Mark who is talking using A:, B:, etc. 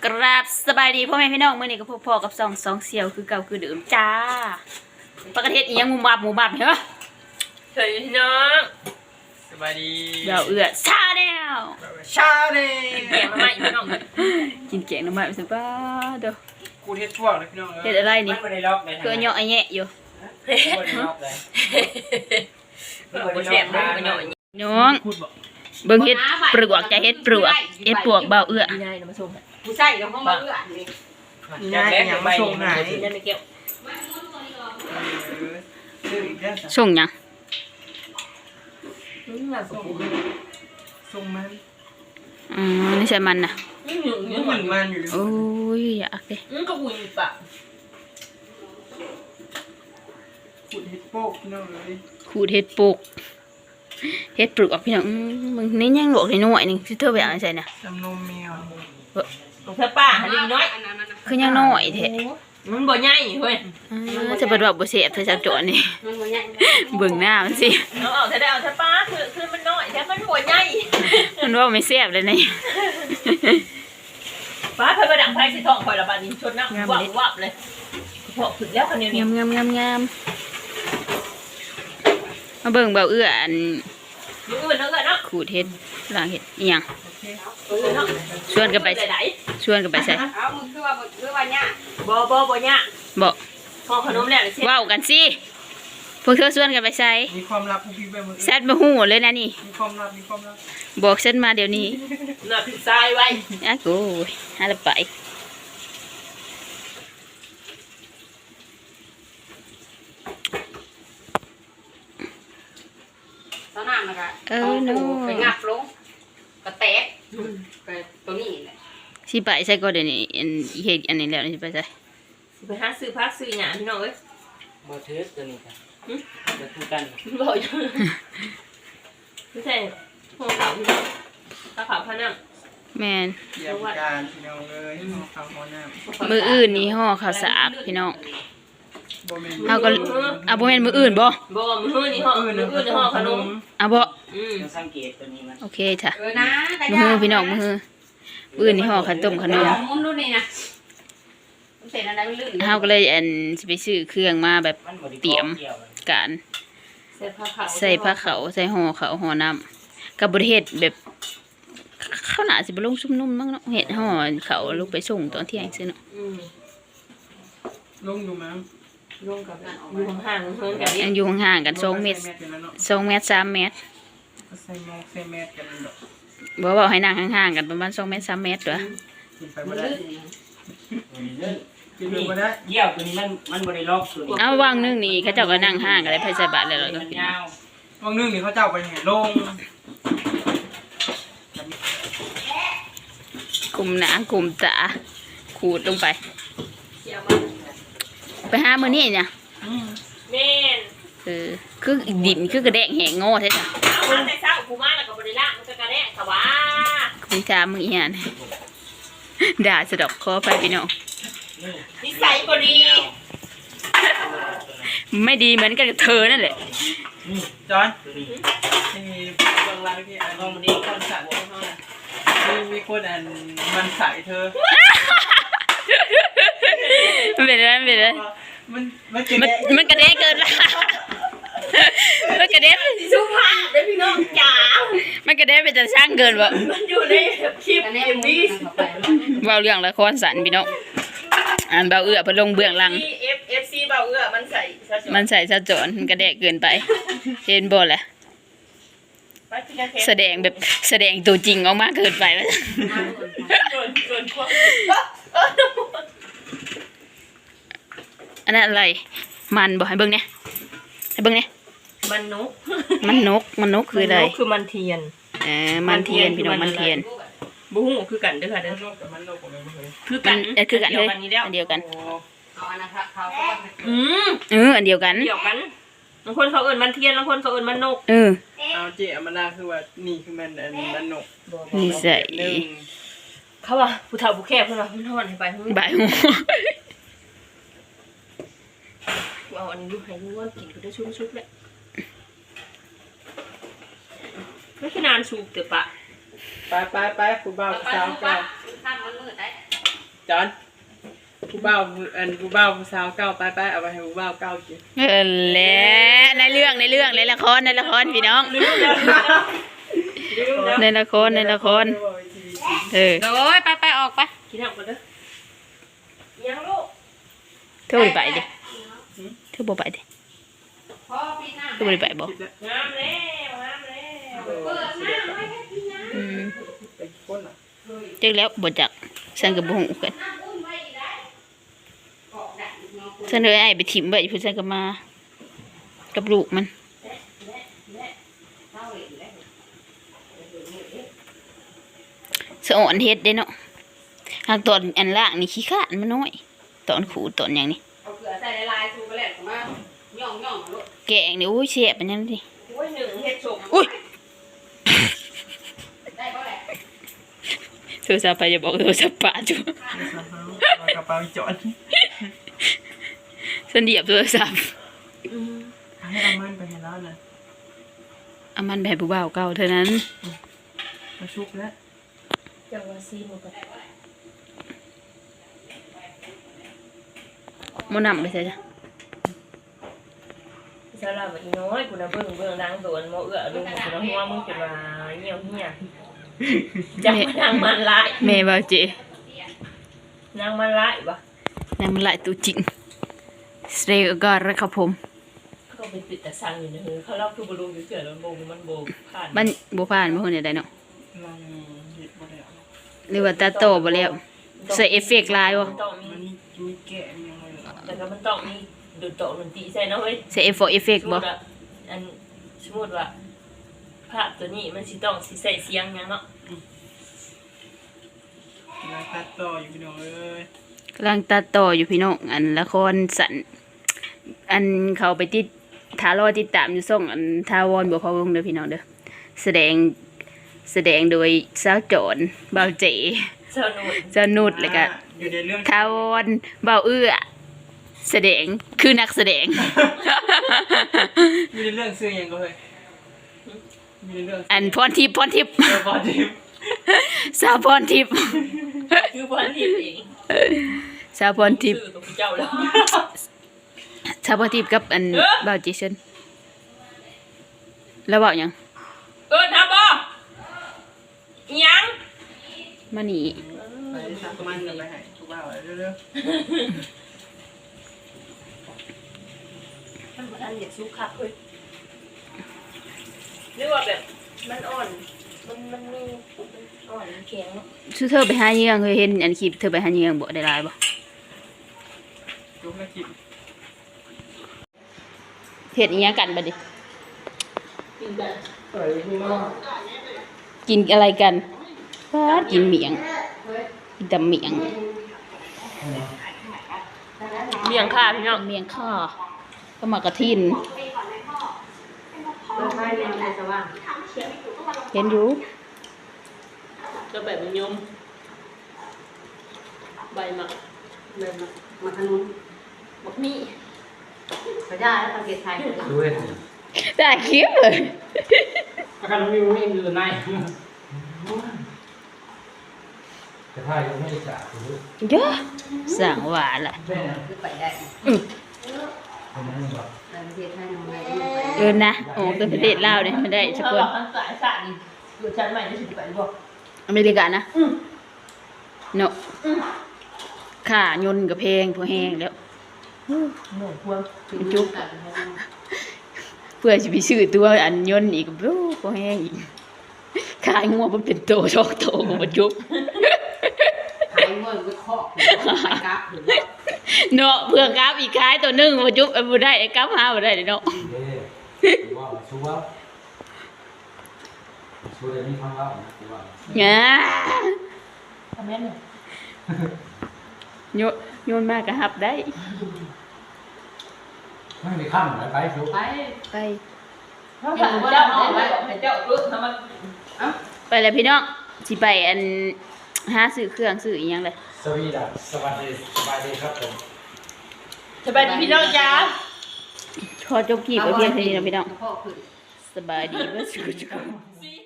A: ราบสบายดีพ่อแม่พี่น้องเมื่อนี้ก็พอกับสองเสี่ยวคือเก่าคือเดิมจ้าประเทศอีหยังหมูบับเหรอ
B: สวัสดีพี่น้องสบายดี
A: เดี๋ยวชาแนล
B: แกงมาใหม่พี่น้อง
A: กินแกงน้ำมันไปสิบ้าเด้อ
B: กูเฮ็ดทั่วเลยพี่น้อง
A: เฮ็ดอะไรนี่คือเหยาะไอ้แยะอยู่น้องเบิ่งเฮ็ดปลวกจะเฮ็ดปลวกเบา
C: ผู้ใส่กับห้องเอื้อนี่
B: ง่ายอย่างมาส่งไหน
A: ส่งยัง
B: ส่งมัน
A: นี่ใช่มันน่ะ
B: มันอยู่
A: โอ้ยอยากดิ
C: ก็หุ่นปะ
B: ขูดเฮ็ดโป๊กพี่น้องเลย
A: ขูดเฮ็ดปลูกเฮ็ดปลูกพี่น้องมึงนี่ยังหลวกหน่อยนึงสิเธอไปเอาใส่น่ะ
B: จำนมแมว
C: ลูกเธอป้าหันลิงน้อย
A: คือยังน้อยแท้
C: มันบ่ใหญ่เฮ้ย
A: จะบ่ว่าบ่เสียบเธอจะจอนี่เบิ่งหน้ามันสิ
C: เอาเธอได้เอาเธอป้าคือมันน้อยแต่มันบ่ใหญ่
A: มันว่าไม่เสียบเลยนี่
C: ป้าเพิ่นมาดังไฟสิท้องข่อยละบาดนี้ชนน้ำวับเลยพอถึงแล้วคันนี้
A: งามมาเบิ่งเบาอันขูดเฮ็ดล้างเฮ็ดอีหยังชวนกันไปใส่
C: เอามึงคือว่าเนี่ยบ่เนี่ย
A: บ่
C: พอขนมแล้ว
A: ว้าวกันสิพวกเธอชวนกันไปใส่
B: มีความลับพวกพี่ไปหมด
A: แซดบ่ฮู้เลยนะนี่
B: มีความลับ
A: บอกฉันมาเดี๋ยวนี้
C: น่ะถึงทรายไว้
A: อ้าวโอ้ยหาละไป
C: ตอนนั้นนะคะไปงับลงกระแตกไปตัวนี้แหละ
A: สิไปใส่ก็เดี๋ยวนี้เฮ็ดอันนี้แล้วสิไปใส่
C: ไปหาซื้อพักซื้อหยังพี่น้องเอ้ย
B: บ่เทสตัวนี้ค่ะจะพูดกัน
C: บ่อยู่ไม่ใช่ห่อขาวพี่น้องตาขาวพะนัง
A: แม่น
B: เยี่ยมการพี่น้องเอ้ยห่อข้าวห่อน้
A: ำมื้ออื่นนี่ห่อข้าวสากพี่น้องเฮาก็บ่แม่นมื้ออื่นบ่
C: มื้อนี่ห่อห่อขนม
A: บ่
B: สังเกตตัวนี้มัน
A: โอเคจ้ะมื้อพี่น้องมื้ออื่นนี่ห่อขนมขนม
C: ดูนี่นะ
A: เฮาก็เลยสิไปซื้อเครื่องมาแบบเตรียมการใส่ผ้าขาวใส่ห่อขาวห่อน้ำกับบ่ได้เฮ็ดแบบข้าวหน้าสิบ่ลงซุ่มนุ่มมั้งเนาะเฮ็ดห่อขาวลงไปส่งตอนเที่ยงซื่อเนาะ
B: ลงอยู่มั้ง
C: ลงกับอยู่ห่างๆเพิ่นกัน
A: อยู่ห่างๆกัน2 เมตร2 เมตร 3 เมตร
B: ใส่เมตรกัน
A: บ่ให้นั่งห่างๆกันประมาณ2 เมตร 3 เมตรตัว
B: เยี่ยวตัวนี้มันบริล็อกตัวนี้
A: เอาวางนึงนี่เขาเจ้าก็นั่งห่างกันเลยไปใส่บาตรแล้วเราก็กิน
B: วางนึงนี่เขาเจ้าไปไหนลง
A: กลุ่มหนากลุ่มตาขูดลงไปหามื้อนี้เนี่ย
C: แม่น
A: คือดินคือกระแดงแหงโง่ใช่จ้ะ
C: เอาแต่เช้ากูมาแล้วก็บ่ได้ล้างมันก็กระแดงค่ะว่า
A: คุณถามมึงอีหยังด่าสะดอกคอไปพี่น้อง
C: นิสัยบ่ดี
A: ไม่ดีเหมือนกันกับเธอนั่นแหละ
B: จอนที่เบื้องล่างที่อันนี้มีคนสั่งมีคนมันใส่เธอ
A: มันเป็นอะไรมันกระเด้เกินละมันกระเด้
C: สุภาพเด้พี่น้องจ๋า
A: มันกระเด้เป็นจะช่างเกินวะ
C: มันอยู่ในคลิปMV
A: เว้าเรื่องละครสันพี่น้องเบาเอื้อพลงเบื้องหลัง
C: FC เบาเอื้อมันใส่
A: ซะจอนมันกระเด้เกินไปเห็นบ่แหละแสดงตัวจริงออกมาเกินไปอันนั้นอะไรมันบอกให้เบิ่งเนี่ย
C: มันน
A: กคืออะไร
C: คือมันเทียน
A: มันเทียนพี่น้องมันเทียน
C: บุ้งคือกันเด้อค่ะเด้อ
A: คือกันเฮ้ยอันเดียวกันอันเดียวกัน
C: บางคนเขาเอิ้นมันเทียนบางคนเขาเอิ้นมันนก
B: เอาเจ๊มันน่าคือว่านี่คือมันนก
A: นี่ใส่
C: เขาว่าผู้เฒ่าผู้แก่เพิ่นว่ามันฮ้อนให้ไป
A: บ่ายโมง
C: เอาอันนี้ดูให้ดูว่ากินก็ได้ชุบๆแหละไม่ใช่นานสูบเถอะปะ
B: ไปคุณบ่าวสาว
C: ข้ามมันมืดได้
B: จอนผู้บ่าวผู้สาวเก้าไปเอาไปให้ผู้บ่าวเก้ากิน
A: แหละในเรื่องในละครพี่น้องในละครโอ้ยไปออกไป
C: กินเอาไปเด้อยังลูก
A: เธอบ่ไปดิเธอบ่ไปดิ
C: พ่อปีหน้า
A: เธอบ่ไปบ่
C: งามแล้วเปิดหน้าไว้ให้พี่นะ
B: ไปคนอ่ะ
A: จักแล้วบ่จักฉันก็บ่ฮู้กัน
C: น้ำอุ่นไว้อีกได้กอกดักเนาะ
A: ฉันเลยไอ้ไปถิ่มไว้เพิ่นฉันก็มากับลูกมัน
C: เท่าอีกแล้ว
A: สะอ่อนเฮ็ดเด้เนาะหากตอนอันล่างนี่ขี้ข้านมันน้อยตอนขูดตอนหยังนี่
C: เอาเกลือใส่ในลายซูไปแล้วก็มาย่องลูก
A: แกงนี่โอ้ยแซ่บอันนั้นดิ
C: โอ้ยหนึ่งเฮ็ดสม
A: อุ้ย
C: ได้บ่แหละ
A: โทรศัพท์ไปอย่าบอกโทรศัพท์ป้าจุ
B: กระเป๋าจอน
A: ฉันเหยียบโทรศัพท์
B: ให้เอามันไปให้แล้วนะ
A: เอามันไปให้ผู้บ่าวเก่าเท่านั้น
B: มาชุบแล้ว
C: จังว่าซีหมดก็
A: หมื้อนำไปใส่จ้ะ
D: สำหรับอีน้อยกูนะเบิ่งนางโดนโมเอื้อลุงกูนะหัวมึงเป็นว่าเหี่ยวเหี้ยจังนางมันร้าย
A: แม่บ่าวเจ
D: นางมันร้ายบ่
A: นางมันหลายตัวจริงสเตย์ก็ระครับผม
D: เขาไปติดแต่สั่งอยู่ในหูเขาเล่าคือบ่รู้อยู่เสือแล้วมันโบผ่าน
A: มันบ่ผ่านบ่ฮู้เนี่ยได้เนาะ
B: ลองหยิบมาแล้ว
A: หรือว่าตัดต่อบ่แล้วใส่เอฟเฟกต์ลายบ่
D: มันต้อง
B: มันมีแกะยังไงเหรอ
D: แต่ก็มันต้องมีดูดโตดนตรีใส่เนาะเฮ้ย
A: ใส่เอฟเฟกต์บ่
D: อันสมมุติว่าภาพตัวนี้มันสิต้องสิใส่เสียงหยังเนาะ
B: แล้วตัดต่ออยู่พี่น้องเอ้ย
A: กำลังตัดต่ออยู่พี่น้องอันละครสันอันเขาไปติดทารอติดตามอยู่ส่องอันทาวรบ่พอวงเด้อพี่น้องเด้อแสดงโดยสาวโจรบ่าวเจ
D: สนุก
A: เจ้านุชแล้วก็
B: อยู่ในเรื่อง
A: ทาวรบ่าวเอื้อแสดงคือนักแสดง
B: มีในเรื่องซื้อยังก็เฮ้ยมีในเรื่อง
A: อันพรทิพย์
B: บอดิม
A: สาวพรทิพย์
D: คือพันทิพย์เอง
A: สาวพรทิพย์
D: ชื่อตัวเจ้าแล้ว
A: สาวพรทิพย์กับอันบ่าวเจสันแล้วเว้าหยัง
D: ทำบ่ยัง
A: มานี่
B: ไปสักมันกันไปให้ทุกบ่าวเร็ว
D: มันบ่ทันอยากสู้คักเฮ้ยหรือว่าแบบมันอ่อนมันมีอ่อนแข็งเนาะ
A: ชื่อเธอไปหาเหยื่อเคยเห็นอันคลิปเธอไปหาเหยื่อบ่ได้หลายบ่
B: ๆทุกนาที
A: เฮ็ดอีหยังกันบัดนี้
D: กินแบบ
A: กินอะไรกันฟาดกินเมียงกินแต่เมียง
D: เมี่ยงค่ะพี่น้อง
A: เมียงข้าก็มากระทิน
C: ไม่เรียนแต่ว่า
A: เห็นอยู่
D: ก็แบบมันยมใบหมัก
C: เลยมาทางนู้น
D: บักมี่
C: ก็ได้แล้วประเทศไทย
E: ด้วย
A: ได้คลิปเลย
E: อาการมีมีอยู่ในแต่ถ้ายังไม่ได้จ่ายคือ
A: เยอะสั่งหวานล่ะ
E: แม่
C: คือไปได้
E: คนนั้นบอก
C: ประเทศไทยน้องเลย
A: เออนะโอ้เป็นประเทศลาวเนี่ยไม่ได้สัก
D: ถ้า
A: ค
D: เรา
A: น
D: คันสายสั่นอยู่ชั้นใหม่จะสิไปบ่
A: อเมริกานะเนาะค่ายนต์กับเพลงพอแห้งแล้ว
D: หนูพวง
A: จุ๊บเพื่อจะไปซื้อตัวอันยนต์อีกโอ้พอแห้งอีกขายงัวมันเป็นโตชอกโตมาจุ๊บ
C: ขายเงินก็เคาะขายกราฟหรือว่า
A: เนาะเพื่อกราฟอีกขายตัวหนึงมาจุ๊บบ่ได้กราฟหาบ่ได้เนาะ
E: เด้ว่าชัวร์ชัวร์เดี๋ยวนี้ฟังว่านะว่า
A: ง่า
D: ทำแม่เนี่ย
A: โยนมากก็หับได้
E: ไม่มีข้ามไหนไปชัวร์
C: ไป
A: ไป
D: ถ้าสั่นเจ้าเอาไว้ให้เจ้าลึกทำมัน
A: ไปเลยพี่น้องสิไปอันหาซื้อเครื่องซื้ออีหยังเลย
E: สวัสดีสวัสดีครับผม
D: สบายดีพี่น้องจ้า
A: ขอจบคลิปไว้เพียงเท่านี้นะพี่น้อง
C: พ่อคือ
A: สบายดีเบ่สุข
D: ซี